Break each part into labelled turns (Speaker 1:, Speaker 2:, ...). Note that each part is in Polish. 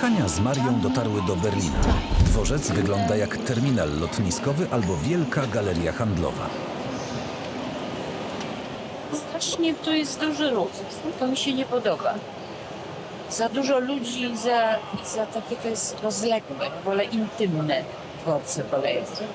Speaker 1: Hania z Marią dotarły do Berlina. Dworzec wygląda jak terminal lotniskowy albo wielka galeria handlowa.
Speaker 2: Strasznie tu jest duży ruch. To mi się nie podoba. Za dużo ludzi i za takie to jest rozległe, wolę intymne dworce kolejowe.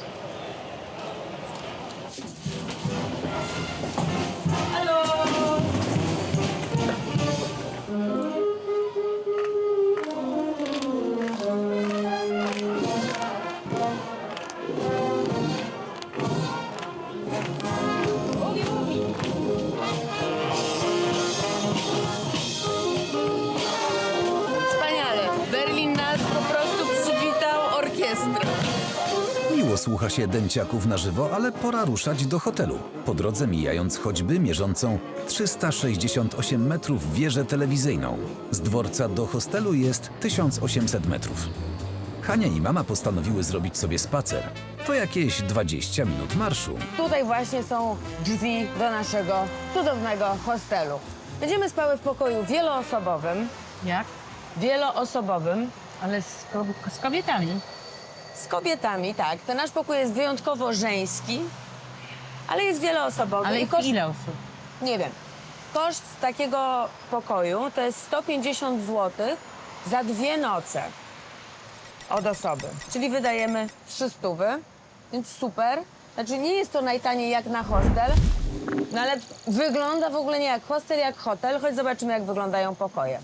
Speaker 3: Wspaniale. Berlin nas po prostu przywitał orkiestrą.
Speaker 1: Miło słucha się dęciaków na żywo, ale pora ruszać do hotelu. Po drodze mijając choćby mierzącą 368 metrów wieżę telewizyjną. Z dworca do hostelu jest 1800 metrów. Hania i mama postanowiły zrobić sobie spacer. To jakieś 20 minut marszu.
Speaker 3: Tutaj właśnie są drzwi do naszego cudownego hostelu. Będziemy spały w pokoju wieloosobowym.
Speaker 2: Jak?
Speaker 3: Wieloosobowym.
Speaker 2: Ale z kobietami.
Speaker 3: Z kobietami, tak. Ten nasz pokój jest wyjątkowo żeński, ale jest wieloosobowy.
Speaker 2: Ale
Speaker 3: I koszt,
Speaker 2: ile osób?
Speaker 3: nie wiem, koszt takiego pokoju to jest 150 zł za 2 noce od osoby. Czyli wydajemy 300, więc super. Znaczy nie jest to najtaniej jak na hostel, no ale wygląda w ogóle nie jak hostel, jak hotel. Choć zobaczymy, jak wyglądają pokoje.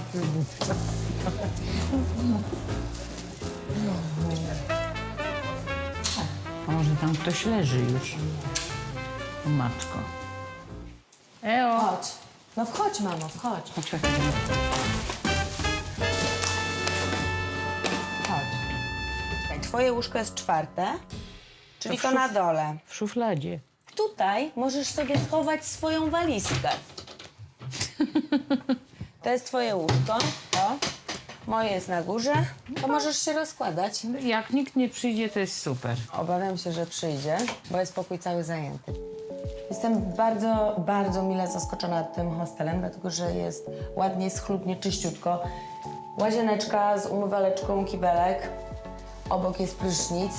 Speaker 2: A może tam ktoś leży już? O matko. Eo.
Speaker 3: Chodź. No wchodź, mamo, wchodź.
Speaker 2: Poczekaj.
Speaker 3: Chodź. Twoje łóżko jest 4, czyli to
Speaker 2: w
Speaker 3: na dole.
Speaker 2: W szufladzie.
Speaker 3: Tutaj możesz sobie schować swoją walizkę. To jest twoje łóżko, to. Moje jest na górze. To możesz się rozkładać.
Speaker 2: Jak nikt nie przyjdzie, to jest super.
Speaker 3: Obawiam się, że przyjdzie, bo jest pokój cały zajęty. Jestem bardzo, bardzo mile zaskoczona tym hostelem, dlatego że jest ładnie, schludnie, czyściutko. Łazieneczka z umywaleczką, kibelek. Obok jest prysznic.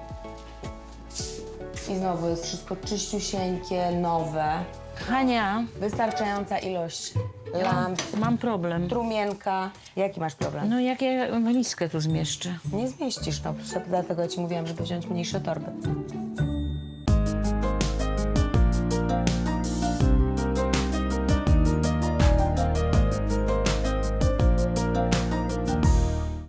Speaker 3: I znowu jest wszystko czyściusieńkie, nowe.
Speaker 2: Hania,
Speaker 3: Wystarczająca ilość lamp,
Speaker 2: mam problem.
Speaker 3: trumienka. Jaki masz problem?
Speaker 2: No jak ja walizkę tu zmieszczę?
Speaker 3: Nie zmieścisz, no. Dlatego ja ci mówiłam, żeby wziąć mniejsze torby.